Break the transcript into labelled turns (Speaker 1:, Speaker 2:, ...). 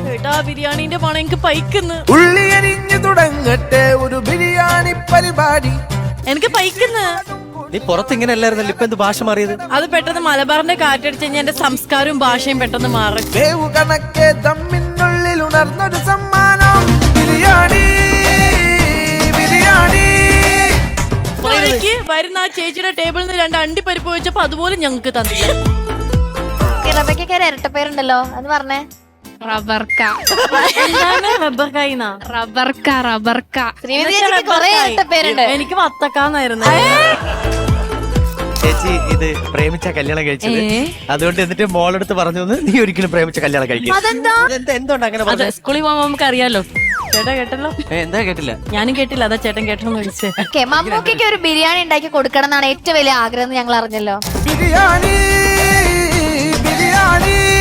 Speaker 1: ചേട്ടാ ബിരിയാണിന്റെ പണം എനിക്ക് പൈക്കുന്നു.
Speaker 2: ഉള്ളി അരിഞ്ഞു തുടങ്ങട്ടെ ഒരു ബിരിയാണി പരിപാടി.
Speaker 1: എനിക്ക് പൈക്കുന്നു.
Speaker 3: നീ പുറത്ത് ഇങ്ങനെ അല്ലായിരുന്നല്ലോ, ഇപ്പൊ എന്ത് ഭാഷ മാറിയത്?
Speaker 1: അത് പെട്ടെന്ന് മലബാറിന്റെ കാറ്റടിച്ച് കഴിഞ്ഞാൽ എന്റെ സംസ്കാരവും ഭാഷയും പെട്ടെന്ന് മാറും.
Speaker 2: വേവു കണക്കെ തമ്മിനുള്ളിൽ ഉണർന്നൊരു സമ്മാനം. ബിരിയാണി ബിരിയാണി.
Speaker 1: വരുന്ന ആ ചേച്ചിയുടെ ടേബിളിൽ നിന്ന് 2 അണ്ടിപ്പരിപ്പ് വെച്ചപ്പോ അതുപോലെ ഞങ്ങക്ക് തന്നില്ല.
Speaker 4: റബയ്ക്കൊക്കെ ഒരു ഇരട്ടപ്പേരുണ്ടല്ലോ, അത് പറഞ്ഞേ.
Speaker 5: റബർക്ക.
Speaker 4: ശ്രീമതി ചേച്ചിക്ക് കുറെ ഇരട്ടപ്പേരുണ്ട്.
Speaker 1: എനിക്ക് വത്തക്കാന്നായിരുന്നു.
Speaker 3: ചേച്ചി ഇത് പ്രേമിച്ച കല്യാണം കഴിച്ചത്, അതുകൊണ്ട് എന്നിട്ട് മോളെടുത്ത് പറഞ്ഞു നീ ഒരിക്കലും പ്രേമിച്ച കല്യാണം കഴിക്കും. എന്തുകൊണ്ട് അങ്ങനെ പറഞ്ഞത്?
Speaker 1: സ്കൂളിൽ പോകുമ്പോ നമുക്ക് അറിയാലോ. ചേട്ടാ കേട്ടല്ലോ?
Speaker 3: എന്താ കേട്ടില്ല?
Speaker 1: ഞാനും കേട്ടില്ല, അതാ ചേട്ടൻ കേട്ടോന്ന് വിളിച്ചേ.
Speaker 4: മമ്മൂക്കൊക്കെ ഒരു ബിരിയാണി ഉണ്ടാക്കി കൊടുക്കണം എന്നാണ് ഏറ്റവും വലിയ ആഗ്രഹം, ഞങ്ങൾ അറിഞ്ഞല്ലോ.
Speaker 2: ബിരിയാണി ബിരിയാണി